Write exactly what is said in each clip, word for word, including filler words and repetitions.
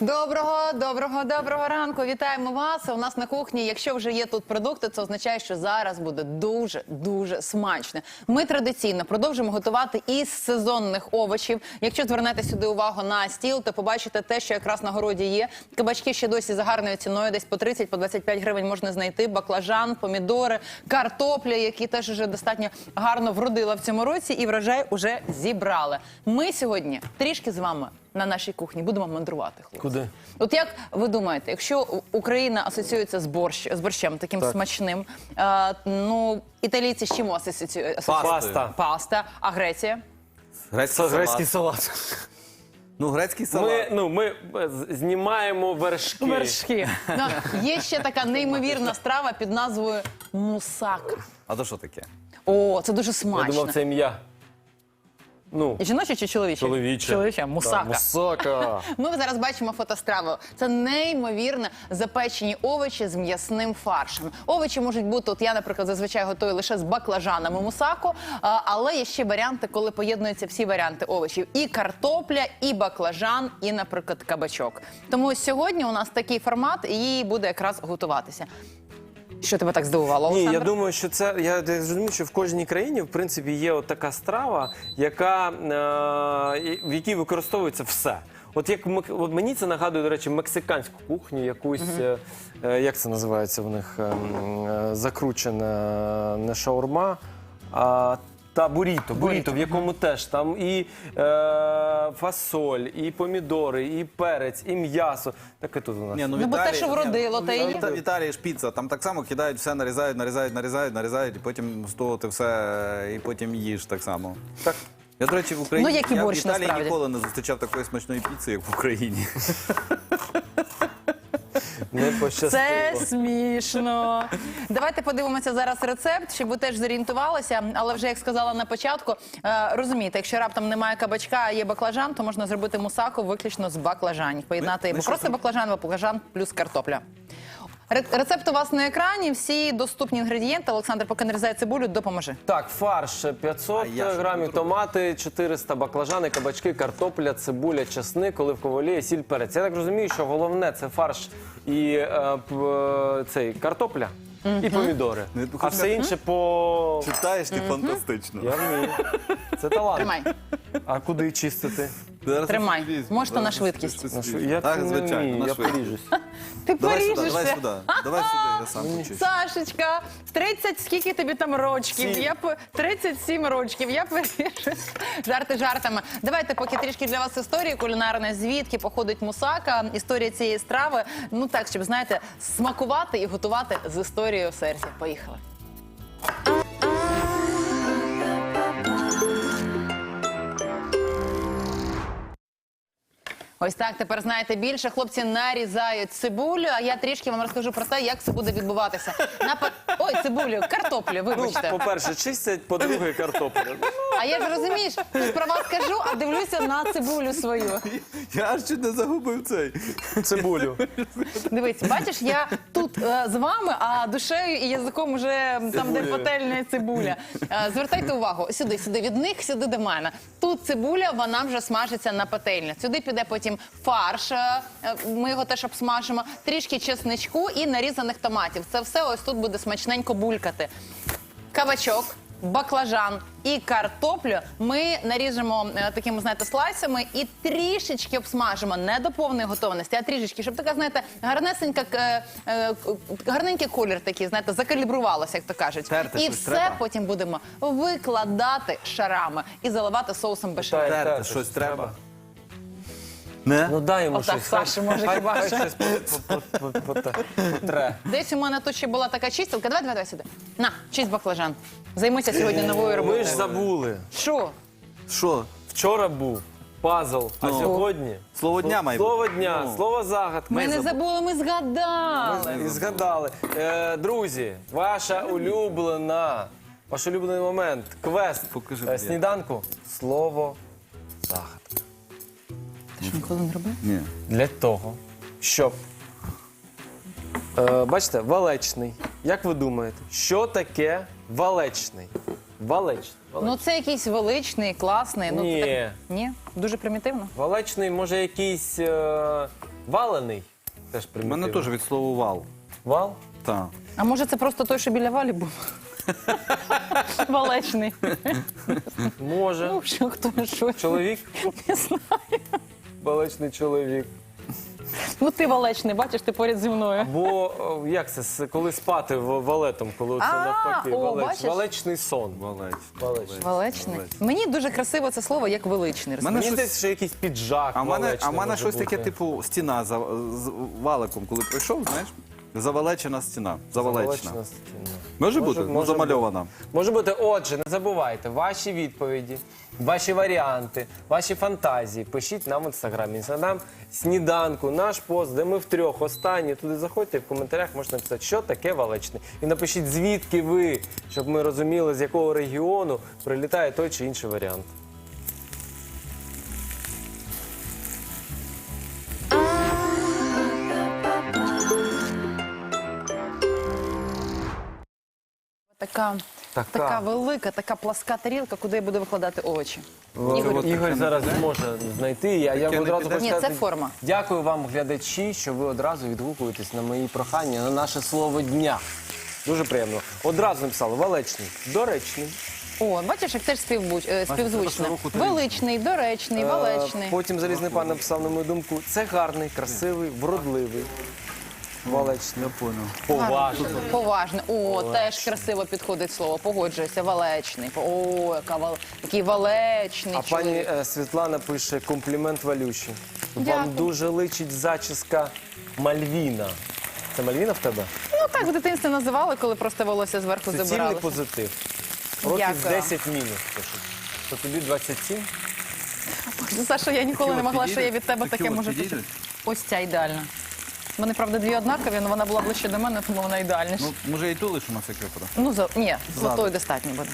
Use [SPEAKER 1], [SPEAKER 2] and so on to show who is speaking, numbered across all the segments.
[SPEAKER 1] Доброго, доброго, доброго ранку. Вітаємо вас. У нас на кухні, якщо вже є тут продукти, це означає, що зараз буде дуже, дуже смачно. Ми традиційно продовжимо готувати із сезонних овочів. Якщо звернете сюди увагу на стіл, то побачите те, що якраз на городі є. Кабачки ще досі за гарною ціною, десь по тридцять, по двадцять п'ять гривень можна знайти. Баклажан, помідори, картопля, які теж вже достатньо гарно вродила в цьому році, і врожай уже зібрали. Ми сьогодні трішки з вами на нашій кухні будемо мандрувати, хлопці.
[SPEAKER 2] Куди?
[SPEAKER 1] От як ви думаєте, якщо Україна асоціюється з, борщ, з борщем таким
[SPEAKER 2] Так.
[SPEAKER 1] смачним, е, ну, італійці з чим асоціюють?
[SPEAKER 2] Паста.
[SPEAKER 1] Паста. А Греція?
[SPEAKER 3] Грецький
[SPEAKER 2] Грецький
[SPEAKER 3] салат.
[SPEAKER 2] салат.
[SPEAKER 3] Ну, грецький салат.
[SPEAKER 2] Ми, ну, ми з- знімаємо вершки.
[SPEAKER 1] Вершки. Ну, є ще така неймовірна страва під назвою мусака.
[SPEAKER 3] А то що таке?
[SPEAKER 1] О, це дуже
[SPEAKER 2] Я
[SPEAKER 1] смачно.
[SPEAKER 2] думав, це ім'я. Ну,
[SPEAKER 1] Жіноче чи чоловіче?
[SPEAKER 2] чоловіче.
[SPEAKER 1] Чоловіче, мусака.
[SPEAKER 2] Так, мусака.
[SPEAKER 1] Ми зараз бачимо фотостраву. Це неймовірно запечені овочі з м'ясним фаршем. Овочі можуть бути, от я, наприклад, зазвичай готую лише з баклажанами мусаку, а, але є ще варіанти, коли поєднуються всі варіанти овочів. І картопля, і баклажан, і, наприклад, кабачок. Тому сьогодні у нас такий формат, і її буде якраз готуватися. Що тебе так здивувало,
[SPEAKER 2] Ні,
[SPEAKER 1] Олександр?
[SPEAKER 2] я думаю, що це, я розумію, що в кожній країні, в принципі, є от така страва, яка, е, в якій використовується все. От як мек- от мені це нагадує, до речі, мексиканську кухню, якусь, е, е, як це називається в них, е, м, е, закручена не шаурма, а та буріто, буріто, в якому теж там і е, фасоль, і помідори, і перець, і м'ясо. Таке тут у нас.
[SPEAKER 3] Ні,
[SPEAKER 1] Ну, бо те, що вродило,
[SPEAKER 3] ні,
[SPEAKER 1] те і
[SPEAKER 3] в
[SPEAKER 1] є.
[SPEAKER 3] Іта- В Італії ж піца, там так само кидають все, нарізають, нарізають, нарізають, нарізають, і потім з того ти все, і потім їж так само.
[SPEAKER 2] Так.
[SPEAKER 3] Я, до речі, в Україні,
[SPEAKER 1] Ну, як і
[SPEAKER 3] я в
[SPEAKER 1] борщ,
[SPEAKER 3] Італії
[SPEAKER 1] насправді.
[SPEAKER 3] ніколи не зустрічав такої смачної піци, як в Україні.
[SPEAKER 2] Не пощастило.
[SPEAKER 1] Це смішно. Давайте подивимося зараз рецепт, щоб ви теж зорієнтувалися. Але вже, як сказала на початку, е, розумієте, якщо раптом немає кабачка, а є баклажан, то можна зробити мусаку виключно з баклажанів. Поєднати
[SPEAKER 3] Ви-
[SPEAKER 1] або
[SPEAKER 3] ви що
[SPEAKER 1] просто
[SPEAKER 3] зроб-
[SPEAKER 1] баклажан, або баклажан плюс картопля. Ре- Рецепт у вас на екрані, всі доступні інгредієнти. Олександр, поки нарізає цибулю, допоможи.
[SPEAKER 2] Так, фарш п'ятсот
[SPEAKER 3] А я що
[SPEAKER 2] грамів,
[SPEAKER 3] буду робити?
[SPEAKER 2] томати, чотириста баклажани, кабачки, картопля, цибуля, часник, оливкова олія, сіль, перець. Я так розумію, що головне це фарш і е, п- е, цей картопля і помідори.
[SPEAKER 3] Ну, я
[SPEAKER 2] А
[SPEAKER 3] хочу
[SPEAKER 2] все
[SPEAKER 3] сказати-
[SPEAKER 2] інше по...
[SPEAKER 3] Читаєш ти фантастично.
[SPEAKER 2] Я вмію. Це талант.
[SPEAKER 1] Тримай,
[SPEAKER 2] А куди чистити?
[SPEAKER 3] Зараз
[SPEAKER 1] Тримай.
[SPEAKER 3] щось влізь,
[SPEAKER 1] Можете
[SPEAKER 3] зараз
[SPEAKER 1] на
[SPEAKER 3] щось
[SPEAKER 1] швидкість.
[SPEAKER 3] щось
[SPEAKER 2] На що-
[SPEAKER 3] влізь.
[SPEAKER 2] Я
[SPEAKER 3] Так,
[SPEAKER 2] не
[SPEAKER 3] звичайно,
[SPEAKER 2] вмію,
[SPEAKER 3] на
[SPEAKER 2] я
[SPEAKER 3] швидкість.
[SPEAKER 2] поріжусь.
[SPEAKER 1] ти
[SPEAKER 3] Давай сюди, давай
[SPEAKER 1] поріжешся.
[SPEAKER 3] сюди. Давай сюди, я сам почищу.
[SPEAKER 1] Сашечка, тридцять, скільки тобі там рочків?
[SPEAKER 2] Сім.
[SPEAKER 1] Я по тридцять сім рочків. Я поріжусь. Жарти жартами. Давайте поки трішки для вас історії кулінарної, звідки походить мусака, історія цієї страви. Ну так, щоб, знаєте, смакувати і готувати з історією в серці. Поїхали. Ось так, тепер знаєте більше. Хлопці нарізають цибулю, а я трішки вам розкажу про те, як це буде відбуватися. На па- Ой, цибулю, картоплю,
[SPEAKER 2] Ну,
[SPEAKER 1] вибачте.
[SPEAKER 2] по-перше, чистять, по-друге, картопля.
[SPEAKER 1] А я ж розумієш, тут про вас кажу, а дивлюся на цибулю свою.
[SPEAKER 3] Я аж чуть не загубив цей.
[SPEAKER 2] Цибулю.
[SPEAKER 1] Дивись, бачиш, я тут е, з вами, а душею і язиком уже там, де
[SPEAKER 3] Цибулею.
[SPEAKER 1] пательня і цибуля. Е, звертайте увагу, сюди, сюди, від них, сюди до мене. Тут цибуля, вона вже смажиться на пательні. Сюди піде потім фарш, е, ми його теж обсмажимо, трішки чесничку і нарізаних томатів. Це все ось тут буде смачненько булькати. Кабачок, баклажан і картоплю ми наріжемо е, такими, знаєте, слайсами і трішечки обсмажимо, не до повної готовності, а трішечки, щоб така, знаєте, гарнесенька, е, е, гарненький колір такий, знаєте, закалібрувалося, як то кажуть.
[SPEAKER 3] Терти
[SPEAKER 1] І
[SPEAKER 3] щось
[SPEAKER 1] все
[SPEAKER 3] треба?
[SPEAKER 1] потім будемо викладати шарами і заливати соусом бешамель.
[SPEAKER 2] Так.
[SPEAKER 3] Терти щось треба. Не?
[SPEAKER 2] Ну дай йому
[SPEAKER 1] Отак,
[SPEAKER 2] щось.
[SPEAKER 1] Саша, може,
[SPEAKER 2] Хай-
[SPEAKER 1] хіба
[SPEAKER 2] хай
[SPEAKER 1] що.
[SPEAKER 2] щось по- по- по- по- по- потре.
[SPEAKER 1] Десь у мене тут ще була така чистілка. Давай, давай, давай сюди. На, чисть баклажан. Займися сьогодні новою роботою.
[SPEAKER 2] Ми ж забули.
[SPEAKER 1] Що?
[SPEAKER 3] Що?
[SPEAKER 2] Вчора був пазл, а
[SPEAKER 3] Ну.
[SPEAKER 2] сьогодні...
[SPEAKER 3] Слово дня має бути.
[SPEAKER 2] Слово дня,
[SPEAKER 3] Ну.
[SPEAKER 2] слово загадка.
[SPEAKER 1] Ми не забули, ми згадали.
[SPEAKER 2] І згадали. Е, друзі, ваша улюблена, ваш улюблений момент, квест
[SPEAKER 3] Покажи,
[SPEAKER 2] е,
[SPEAKER 3] де.
[SPEAKER 2] сніданку. Слово загадка.
[SPEAKER 1] Ти що, ніколи не робив?
[SPEAKER 3] Ні.
[SPEAKER 2] Для того, щоб, е, бачите, валечний. Як ви думаєте, що таке валечний? Валечний.
[SPEAKER 1] Ну це якийсь величний, класний. Ну,
[SPEAKER 2] Ні.
[SPEAKER 1] це так... Ні? Дуже примітивно.
[SPEAKER 2] Валечний, може, якийсь е, Валений. Теж
[SPEAKER 3] У
[SPEAKER 2] примітивно.
[SPEAKER 3] мене теж від слова вал.
[SPEAKER 2] Вал?
[SPEAKER 3] Так.
[SPEAKER 1] А може це просто той, що біля валі був? Валечний.
[SPEAKER 2] Може.
[SPEAKER 1] Ну, що, хто, що?
[SPEAKER 2] Чоловік?
[SPEAKER 1] Не знаю.
[SPEAKER 2] Балечний чоловік.
[SPEAKER 1] Ну ти валечний, бачиш, ти поряд зі мною.
[SPEAKER 2] Бо о, як це, с- коли спати в- валетом, коли це
[SPEAKER 1] А,
[SPEAKER 2] навпаки,
[SPEAKER 1] о,
[SPEAKER 2] валеч,
[SPEAKER 1] бачиш?
[SPEAKER 2] валечний сон.
[SPEAKER 3] Валець.
[SPEAKER 2] Валечний.
[SPEAKER 1] Валечний. Мені дуже красиво це слово, як величний.
[SPEAKER 3] Мене
[SPEAKER 2] Мені
[SPEAKER 3] щось-
[SPEAKER 2] здається, що якийсь піджак
[SPEAKER 3] А в мене,
[SPEAKER 2] валечний
[SPEAKER 3] а в мене
[SPEAKER 2] може
[SPEAKER 3] щось таке,
[SPEAKER 2] бути.
[SPEAKER 3] типу, стіна за, з валиком, коли прийшов, знаєш? Завалечена стіна. Завалечена.
[SPEAKER 2] Завалечна стіна.
[SPEAKER 3] Може,
[SPEAKER 2] Може-
[SPEAKER 3] бути? Ну,
[SPEAKER 2] може
[SPEAKER 3] замальована.
[SPEAKER 2] Може бути. Отже, не забувайте, ваші відповіді, ваші варіанти, ваші фантазії пишіть нам в інстаграмі. Інстаграм сніданку, наш пост, де ми втрьох останні. Туди заходьте, в коментарях можна написати, що таке валечний. І напишіть, звідки ви, щоб ми розуміли, з якого регіону прилітає той чи інший варіант.
[SPEAKER 1] Така,
[SPEAKER 2] Така.
[SPEAKER 1] така велика, така пласка тарілка, куди я буду викладати овочі.
[SPEAKER 2] Ігор, Ігор зараз зможе знайти. Я, я
[SPEAKER 3] Таке не
[SPEAKER 2] одразу
[SPEAKER 3] піде?
[SPEAKER 2] хочу
[SPEAKER 1] Ні, це
[SPEAKER 2] сказати,
[SPEAKER 1] форма.
[SPEAKER 2] Дякую вам, глядачі, що ви одразу відгукуєтесь на мої прохання, на наше слово дня. Дуже приємно. Одразу написали валечний, доречний.
[SPEAKER 1] О, бачиш, як теж співбуч... е, співзвучно.
[SPEAKER 3] руку тарілку.
[SPEAKER 1] Величний, доречний,
[SPEAKER 2] Е,
[SPEAKER 1] валечний.
[SPEAKER 2] Потім залізний пан написав, на мою думку, це гарний, красивий, вродливий. Валечний.
[SPEAKER 3] Я понял.
[SPEAKER 2] Поважний.
[SPEAKER 1] Поважний. О, теж красиво підходить слово. Погоджуюся. Валечний. О, яка вал... який валечний
[SPEAKER 2] А пані
[SPEAKER 1] чоловік.
[SPEAKER 2] е, Світлана пише комплімент Валюші. Вам
[SPEAKER 1] Дякую.
[SPEAKER 2] дуже личить зачіска Мальвіна. Це Мальвіна в тебе?
[SPEAKER 1] Ну так в дитинстві називали, коли просто волосся зверху
[SPEAKER 2] Це цільний
[SPEAKER 1] забирали.
[SPEAKER 2] позитив. Років
[SPEAKER 1] Дякую.
[SPEAKER 2] десять мінус пишуть. То тобі двадцять сім?
[SPEAKER 1] Саша, я ніколи
[SPEAKER 3] Такі
[SPEAKER 1] не
[SPEAKER 3] от
[SPEAKER 1] могла, що я
[SPEAKER 3] підійдуть?
[SPEAKER 1] від тебе
[SPEAKER 3] Такі
[SPEAKER 1] таке
[SPEAKER 3] от
[SPEAKER 1] можу
[SPEAKER 3] підійдуть?
[SPEAKER 1] почути. Ось ця ідеальна. Вони, правда, дві однакові, але вона була ближче до мене, тому вона ідеальніша.
[SPEAKER 3] Ну, може, і ту лишимо всяк випадок.
[SPEAKER 1] Ну, за... ні, золотої достатньо буде.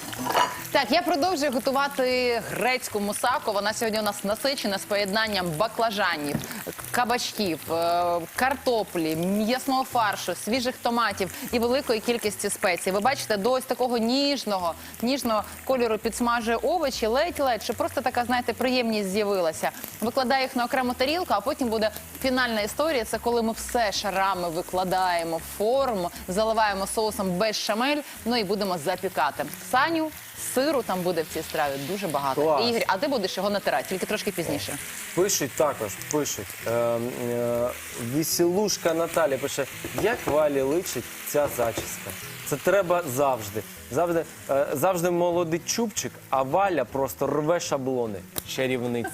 [SPEAKER 1] Так, я продовжую готувати грецьку мусаку. Вона сьогодні у нас насичена з поєднанням баклажанів, кабачків, е, картоплі, м'ясного фаршу, свіжих томатів і великої кількості спецій. Ви бачите, до ось такого ніжного, ніжного кольору підсмажує овочі, ледь-ледь, щоб просто така, знаєте, приємність з'явилася. Викладаю їх на окрему тарілку, а потім буде фінальна історія. Це коли ми все шарами викладаємо в форму, заливаємо соусом бешамель, ну і будемо запікати. Саню, сиру там буде в цій страві дуже багато.
[SPEAKER 2] Клас.
[SPEAKER 1] Ігор, а ти будеш його натирати, тільки трошки пізніше.
[SPEAKER 2] Пишуть також, пишуть. Е, е, Вісілушка Наталя пише, як Валі личить ця зачіска. Це треба завжди. Завжди, е, завжди молодий чубчик, а Валя просто рве шаблони. Чарівниця.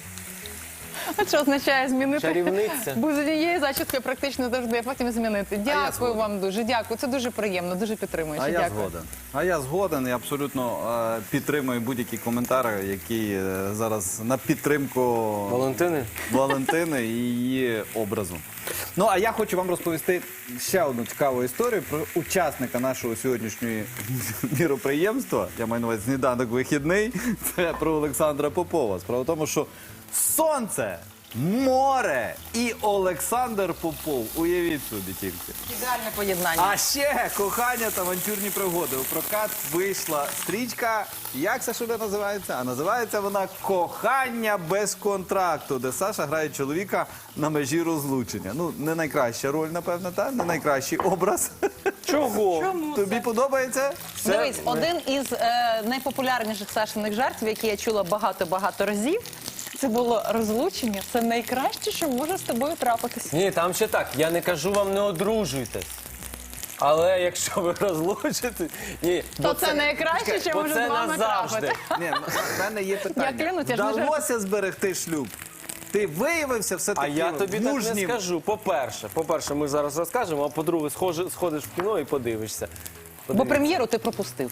[SPEAKER 1] А що означає змінити?
[SPEAKER 2] Чарівниця.
[SPEAKER 1] Бо з однієї зачіски практично завжди, а потім змінити. Дякую
[SPEAKER 3] згоден.
[SPEAKER 1] вам дуже, дякую. Це дуже приємно, дуже підтримуюче.
[SPEAKER 3] А я
[SPEAKER 1] Дякую.
[SPEAKER 3] згоден. А я згоден і абсолютно е, підтримую будь-які коментарі, які е, зараз на підтримку
[SPEAKER 2] Валентини?
[SPEAKER 3] Валентини і її образу. Ну, а я хочу вам розповісти ще одну цікаву історію про учасника нашого сьогоднішнього міроприємства. Я маю на увазі сніданок вихідний. Це про Олександра Попова. Справа в тому, що сонце, море і Олександр Попов. Уявіть собі тільки.
[SPEAKER 1] Ідеальне поєднання.
[SPEAKER 3] А ще кохання та авантюрні пригоди. У прокат вийшла стрічка. Як це шоу називається? А називається вона «Кохання без контракту», де Саша грає чоловіка на межі розлучення. Ну, не найкраща роль, напевно, та? Не найкращий образ.
[SPEAKER 2] Чого?
[SPEAKER 3] Тобі подобається?
[SPEAKER 2] Це-
[SPEAKER 1] Дивись, один із е, найпопулярніших Сашиних жартів, які я чула багато-багато разів, це було розлучення. Це найкраще, що може з тобою трапитися.
[SPEAKER 2] Ні, там ще так. Я не кажу вам, не одружуйтесь. Але якщо ви розлучитесь, ні,
[SPEAKER 1] То
[SPEAKER 2] бо
[SPEAKER 1] це найкраще, що
[SPEAKER 2] бо
[SPEAKER 1] може
[SPEAKER 2] це
[SPEAKER 1] з вами
[SPEAKER 2] назавжди.
[SPEAKER 1] трапити.
[SPEAKER 3] Ні, в мене є питання.
[SPEAKER 1] Я клянусь, я ж не
[SPEAKER 3] Вдалося зберегти шлюб? Ти виявився
[SPEAKER 2] А
[SPEAKER 3] все-таки
[SPEAKER 2] я тобі так не
[SPEAKER 3] мужнім?
[SPEAKER 2] скажу. По-перше, по-перше, ми зараз розкажемо, а по-друге, схожи- сходиш в кіно і подивишся.
[SPEAKER 1] Бо
[SPEAKER 2] Подивіться.
[SPEAKER 1] прем'єру ти пропустив.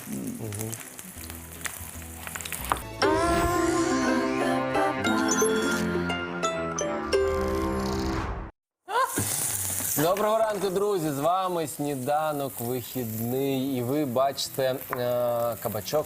[SPEAKER 2] Доброго ранку, друзі! З вами сніданок вихідний. І ви бачите е, кабачок,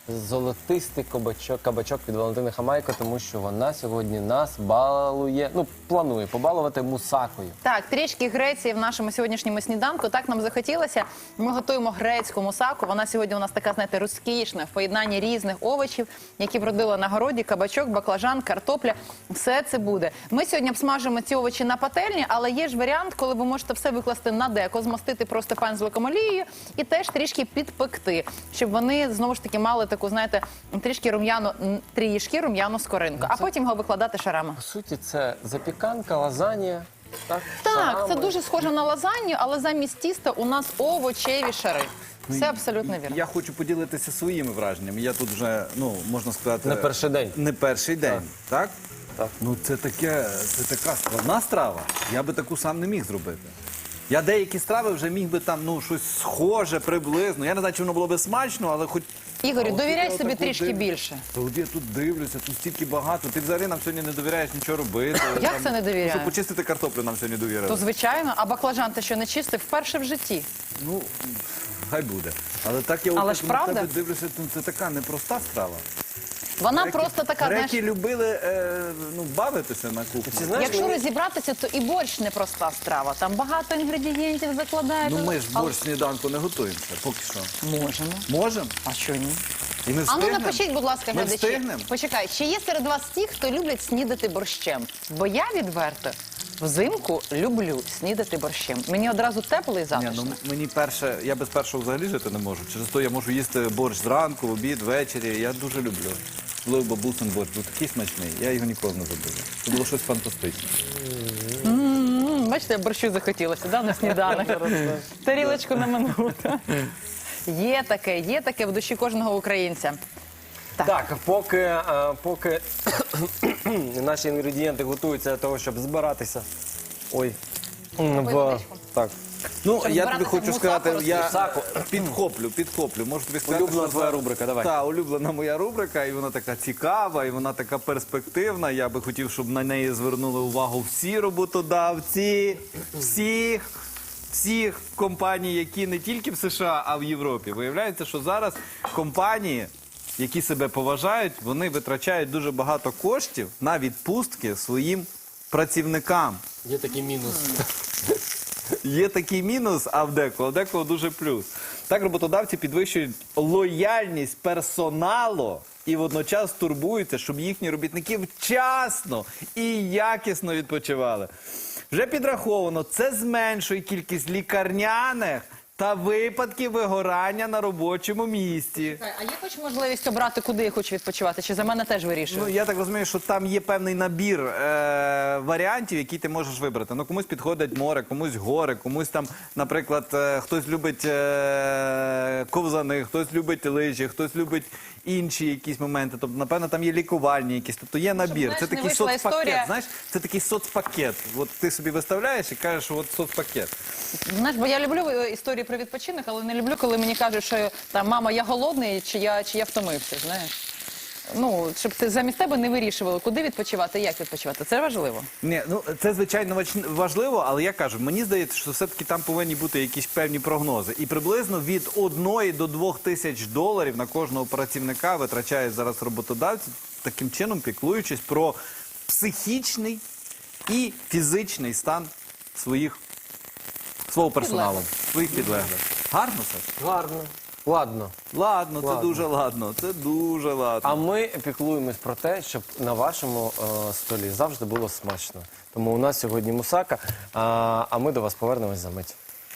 [SPEAKER 2] золотистий кабачок, кабачок від Валентини Хамайко, тому що вона сьогодні нас балує, ну, планує побалувати мусакою.
[SPEAKER 1] Так, трішки Греції в нашому сьогоднішньому сніданку. Так нам захотілося. Ми готуємо грецьку мусаку. Вона сьогодні у нас така, знаєте, розкішна, в поєднанні різних овочів, які вродила на городі, кабачок, баклажан, картопля. Все це буде. Ми сьогодні обсмажимо ці овочі на пательні, але є ж варіант, коли ви можете все викласти на деко, змастити просто пензликом олією і теж трішки підпекти, щоб вони, знову ж таки, мали таку, знаєте, трішки рум'яну, трішки рум'яну скоринку, а потім його викладати шарами.
[SPEAKER 2] По суті, це запіканка, лазанія. Так,
[SPEAKER 1] Так,
[SPEAKER 2] шарами.
[SPEAKER 1] це дуже схоже на лазанью, але замість тіста у нас овочеві шари. Все абсолютно вірно.
[SPEAKER 3] Я хочу поділитися своїми враженнями. Я тут вже, ну, можна сказати...
[SPEAKER 2] Не перший день.
[SPEAKER 3] Не перший день, так?
[SPEAKER 2] Так.
[SPEAKER 3] Ну, це таке, це така складна страва. Я би таку сам не міг зробити. Я деякі страви вже міг би там, ну, щось схоже, приблизно. Я не знаю, чи воно було би смачно, але хоч...
[SPEAKER 1] Ігорю,
[SPEAKER 3] А от
[SPEAKER 1] довіряй
[SPEAKER 3] я
[SPEAKER 1] собі
[SPEAKER 3] отак от
[SPEAKER 1] трішки
[SPEAKER 3] дивлюсь.
[SPEAKER 1] більше.
[SPEAKER 3] Та от я тут дивлюся, тут стільки багато. Ти взагалі нам сьогодні не довіряєш нічого робити.
[SPEAKER 1] Як
[SPEAKER 3] Там,
[SPEAKER 1] це не довіряю?
[SPEAKER 3] Щоб почистити картоплю нам сьогодні довірили.
[SPEAKER 1] То звичайно, а баклажан ти що не чистив вперше в житті?
[SPEAKER 3] Ну, хай буде. Але так я
[SPEAKER 1] Але
[SPEAKER 3] от
[SPEAKER 1] ж
[SPEAKER 3] на
[SPEAKER 1] правда?
[SPEAKER 3] тебе дивлюся, ну, це така непроста страва.
[SPEAKER 1] Вона
[SPEAKER 3] Греки-
[SPEAKER 1] просто така, знаєш,
[SPEAKER 3] Греки любили е, ну, бавитися на кухні.
[SPEAKER 2] Ти знаєш,
[SPEAKER 1] якщо
[SPEAKER 2] мені-
[SPEAKER 1] розібратися, то і борщ непроста страва. Там багато інгредієнтів закладають.
[SPEAKER 3] Ну ми ж
[SPEAKER 1] Але-
[SPEAKER 3] борщ сніданку не готуємося, поки що.
[SPEAKER 1] Можемо.
[SPEAKER 3] Можемо?
[SPEAKER 1] А що ні?
[SPEAKER 3] І ми
[SPEAKER 1] А ну
[SPEAKER 3] встигнемо?
[SPEAKER 1] напишіть, будь ласка,
[SPEAKER 3] Ми
[SPEAKER 1] глядачі.
[SPEAKER 3] встигнемо?
[SPEAKER 1] Почекай, чи є серед вас ті, хто люблять снідати борщем? Бо я відверто взимку люблю снідати борщем. Мені одразу тепло і
[SPEAKER 3] Ні,
[SPEAKER 1] затишно.
[SPEAKER 3] ну мені перше, я без першого взагалі жити не можу. Через то я можу їсти борщ зранку, в обід, ввечері. Я дуже люблю. Особливо бабусин борщ, був такий смачний, я його ніколи не забуду. Це було щось фантастичне.
[SPEAKER 1] М, Бачите, борщу захотілося, да, на сніданок. Тарілочку на минуту. Є таке, є таке в душі кожного українця.
[SPEAKER 2] Так, поки, е, поки наші інгредієнти готуються для того, щоб збиратися. Ой. м, В...
[SPEAKER 1] водичку.
[SPEAKER 2] Так.
[SPEAKER 3] Ну,
[SPEAKER 1] Щоб
[SPEAKER 3] я тобі
[SPEAKER 1] збиратися в
[SPEAKER 3] хочу
[SPEAKER 1] мусаку
[SPEAKER 3] сказати, я
[SPEAKER 2] Мусаку.
[SPEAKER 3] підхоплю, підхоплю. Можу тобі сказати,
[SPEAKER 2] Улюблена
[SPEAKER 3] що
[SPEAKER 2] твоя
[SPEAKER 3] це-
[SPEAKER 2] рубрика, давай.
[SPEAKER 3] Так, улюблена моя рубрика, і вона така цікава, і вона така перспективна. Я би хотів, щоб на неї звернули увагу всі роботодавці, всіх, всіх компаній, які не тільки в США, а в Європі. Виявляється, що зараз компанії, які себе поважають, вони витрачають дуже багато коштів на відпустки своїм працівникам.
[SPEAKER 2] Є такий мінус.
[SPEAKER 3] Є такий мінус, а в декого, а в декого дуже плюс. Так роботодавці підвищують лояльність персоналу і водночас турбуються, щоб їхні робітники вчасно і якісно відпочивали. Вже підраховано, це зменшує кількість лікарняних та випадків вигорання на робочому місці.
[SPEAKER 1] А є хоч можливість обрати, куди я хочу відпочивати? Чи за мене теж вирішують?
[SPEAKER 3] Ну, я так розумію, що там є певний набір е, варіантів, які ти можеш вибрати. Ну, комусь підходить море, комусь гори, комусь там, наприклад, е, хтось любить е, ковзани, хтось любить лижі, хтось любить інші якісь моменти. Тобто, напевно, там є лікувальні якісь. Тобто є набір.
[SPEAKER 1] знаєш,
[SPEAKER 3] Це
[SPEAKER 1] не
[SPEAKER 3] такий
[SPEAKER 1] вийшла
[SPEAKER 3] соцпакет.
[SPEAKER 1] історія.
[SPEAKER 3] Знаєш, це такий соцпакет. От ти собі виставляєш і кажеш, що от соцпакет.
[SPEAKER 1] Знаєш, бо я люблю е, історії про відпочинок, але не люблю, коли мені кажуть, що там мама, я голодний, чи я, чи я втомився. Знаєш. Ну, щоб ти замість тебе не вирішували, куди відпочивати, як відпочивати. Це важливо.
[SPEAKER 3] Ні, ну це звичайно вач- важливо, але я кажу, мені здається, що все-таки там повинні бути якісь певні прогнози. І приблизно від одної до двох тисяч доларів на кожного працівника витрачають зараз роботодавці, таким чином піклуючись про психічний і фізичний стан своїх свого персоналу, своїх підлеглих. Гарно, Саш?
[SPEAKER 2] Гарно. Ладно.
[SPEAKER 3] Ладно, це
[SPEAKER 2] Ладно.
[SPEAKER 3] дуже ладно. Це дуже ладно.
[SPEAKER 2] А ми піклуємось про те, щоб на вашому е, столі завжди було смачно. Тому у нас сьогодні мусака, а, а ми до вас повернемось за мить.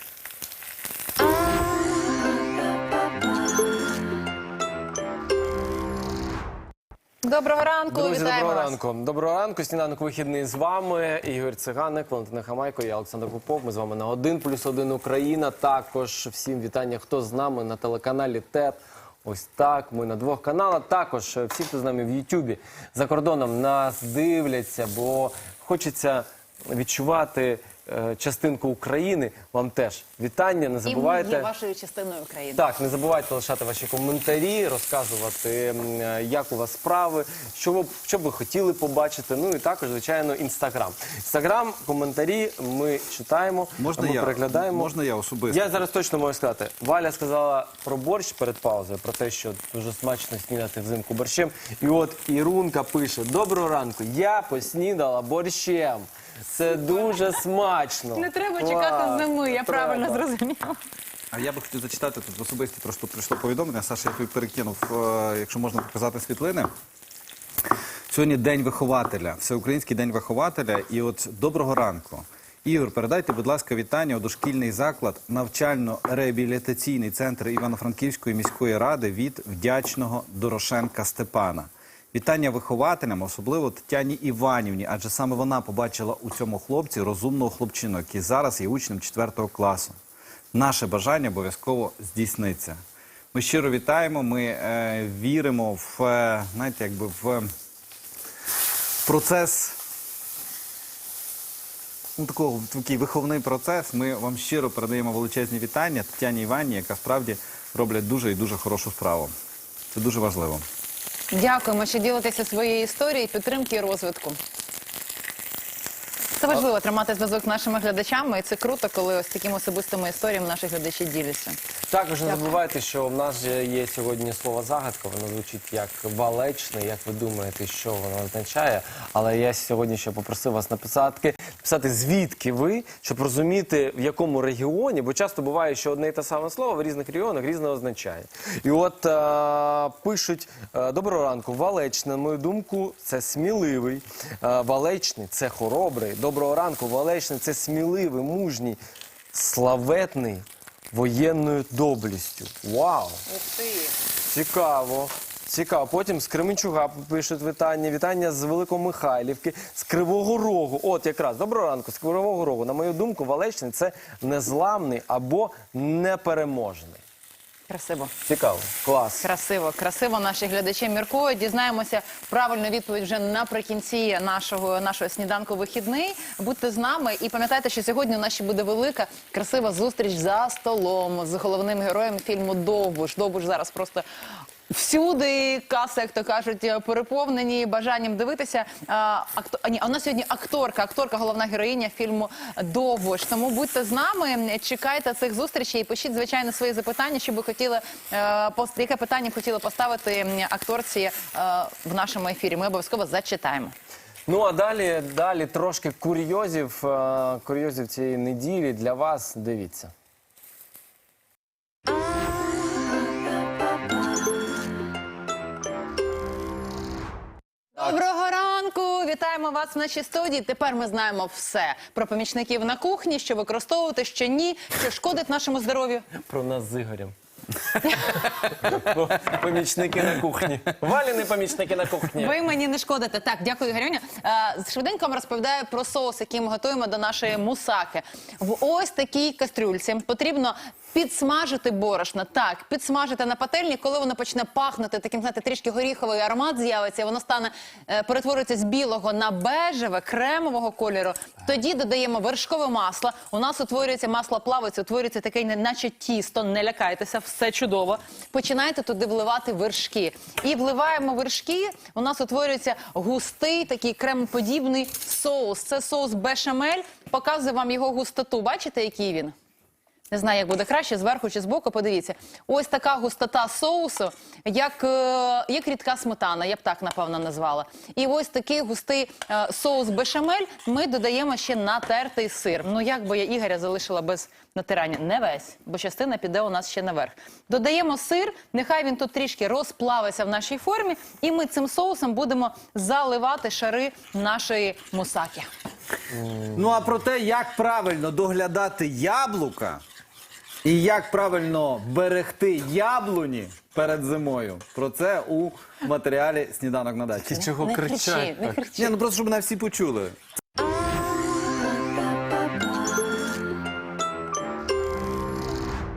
[SPEAKER 1] Доброго ранку,
[SPEAKER 2] Друзі,
[SPEAKER 1] вітаємо
[SPEAKER 2] доброго
[SPEAKER 1] вас.
[SPEAKER 2] ранку. Доброго ранку. Сніданок вихідний з вами. Ігор Циганик, Валентина Хамайко, я Олександр Попов. Ми з вами на один плюс один Україна. Також всім вітання, хто з нами на телеканалі ТЕТ. Ось так, ми на двох каналах. Також всі, хто з нами в Ютубі, за кордоном нас дивляться, бо хочеться відчувати е, частинку України, вам теж вітання. Не
[SPEAKER 1] І ми
[SPEAKER 2] забувайте.
[SPEAKER 1] є вашою частиною України.
[SPEAKER 2] Так, не забувайте лишати ваші коментарі, розказувати, м, е, як у вас справи, що ви, що ви хотіли побачити. Ну і також, звичайно, інстаграм. Інстаграм, коментарі ми читаємо,
[SPEAKER 3] Можна
[SPEAKER 2] ми
[SPEAKER 3] я?
[SPEAKER 2] переглядаємо.
[SPEAKER 3] Можна я особисто?
[SPEAKER 2] Я зараз точно можу сказати. Валя сказала про борщ перед паузою, про те, що дуже смачно снідати взимку борщем. І от Ірунка пише: доброго ранку, я поснідала борщем. Це дуже смачно.
[SPEAKER 1] Не треба
[SPEAKER 2] Клас.
[SPEAKER 1] чекати зими, я
[SPEAKER 2] Треба.
[SPEAKER 1] правильно зрозуміла.
[SPEAKER 3] А я би хотів зачитати тут в особисті, трошки прийшло повідомлення. Саша, я тобі перекинув, е, якщо можна показати світлини. Сьогодні День вихователя, Всеукраїнський день вихователя. І от доброго ранку. Ігор, передайте, будь ласка, вітання у дошкільний заклад навчально-реабілітаційний центр Івано-Франківської міської ради від вдячного Дорошенка Степана. Вітання вихователям, особливо Тетяні Іванівні, адже саме вона побачила у цьому хлопці розумного хлопчину, який зараз є учнем четвертого класу. Наше бажання обов'язково здійсниться. Ми щиро вітаємо, ми е, віримо в, е, знаєте, якби в процес, ну, такого, такий виховний процес. Ми вам щиро передаємо величезні вітання Тетяні Іванівні, яка справді роблять дуже і дуже хорошу справу. Це дуже важливо.
[SPEAKER 1] Дякуємо, що ділитеся своєю історією, підтримки і розвитку. Це важливо тримати зв'язок з нашими глядачами, і це круто, коли ось такими особистими історіями наші глядачі діляться.
[SPEAKER 2] Також не забувайте, що в нас же є сьогодні слово загадка, воно звучить як валечне, як ви думаєте, що воно означає. Але я сьогодні ще попросив вас написати, написати, звідки ви, щоб розуміти, в якому регіоні, бо часто буває, що одне і те саме слово в різних регіонах різне означає. І от а, пишуть: доброго ранку, валечне, на мою думку, це сміливий, а, валечний – це хоробрий, доброго ранку, валечний – це сміливий, мужній, славетний, воєнною доблістю. Вау!
[SPEAKER 1] Ух ти!
[SPEAKER 2] Цікаво. Цікаво. Потім з Кременчуга пишуть вітання. Вітання з Великомихайлівки, з Кривого Рогу. От якраз, доброго ранку, з Кривого Рогу. На мою думку, Валечний – це незламний або непереможний.
[SPEAKER 1] Красиво.
[SPEAKER 2] Цікаво. Клас.
[SPEAKER 1] Красиво, красиво наші глядачі міркують. Дізнаємося правильну відповідь вже наприкінці нашого, нашого сніданку вихідний. Будьте з нами і пам'ятайте, що сьогодні у нас ще буде велика, красива зустріч за столом з головним героєм фільму «Довбуш». «Довбуш» зараз просто всюди, каси, як то кажуть, переповнені бажанням дивитися. А, акто... а, ні, а у нас сьогодні акторка, акторка, головна героїня фільму «Довбуш». Тому будьте з нами, чекайте цих зустрічей і пишіть, звичайно, свої запитання, що ви хотіли, е, пост... яке питання б хотіли поставити акторці е, в нашому ефірі. Ми обов'язково зачитаємо.
[SPEAKER 2] Ну, а далі, далі трошки курйозів, е, курйозів цієї неділі для вас. Дивіться.
[SPEAKER 1] Доброго ранку! Вітаємо вас в нашій студії. Тепер ми знаємо все про помічників на кухні, що використовувати, що ні, що шкодить нашому здоров'ю.
[SPEAKER 2] Про нас з Ігорем. Помічники на кухні. Валіни помічники на кухні.
[SPEAKER 1] Ви мені не шкодите. Так, дякую, Ігорюня. Е, Швиденько вам розповідаю про соус, який ми готуємо до нашої мусаки. В ось такій кастрюльці потрібно підсмажити борошно. Так, підсмажити на пательні, коли воно почне пахнути, таким, знаєте, трішки горіховий аромат з'явиться, воно стане, е, перетворюється з білого на бежеве, кремового кольору. Тоді додаємо вершкове масло. У нас утворюється масло плавиться, утворюється таке, наче тісто, не лякайтеся, все чудово. Починаєте туди вливати вершки. І вливаємо вершки, у нас утворюється густий, такий кремоподібний соус. Це соус бешамель. Показую вам його густоту. Бачите, який він? Не знаю, як буде краще, зверху чи збоку, подивіться. Ось така густота соусу, як, е, як рідка сметана, я б так, напевно, назвала. І ось такий густий е, соус бешамель ми додаємо ще натертий сир. Ну, як би я Ігоря залишила без натирання? Не весь, бо частина піде у нас ще наверх. Додаємо сир, нехай він тут трішки розплавиться в нашій формі, і ми цим соусом будемо заливати шари нашої мусаки.
[SPEAKER 3] Ну а про те, як правильно доглядати яблука і як правильно берегти яблуні перед зимою, про це у матеріалі «Сніданок на дачі».
[SPEAKER 2] Ти чого
[SPEAKER 1] Не
[SPEAKER 2] кричать?
[SPEAKER 1] кричи, не
[SPEAKER 2] так?
[SPEAKER 1] кричи.
[SPEAKER 3] Ні, ну просто щоб мене всі почули.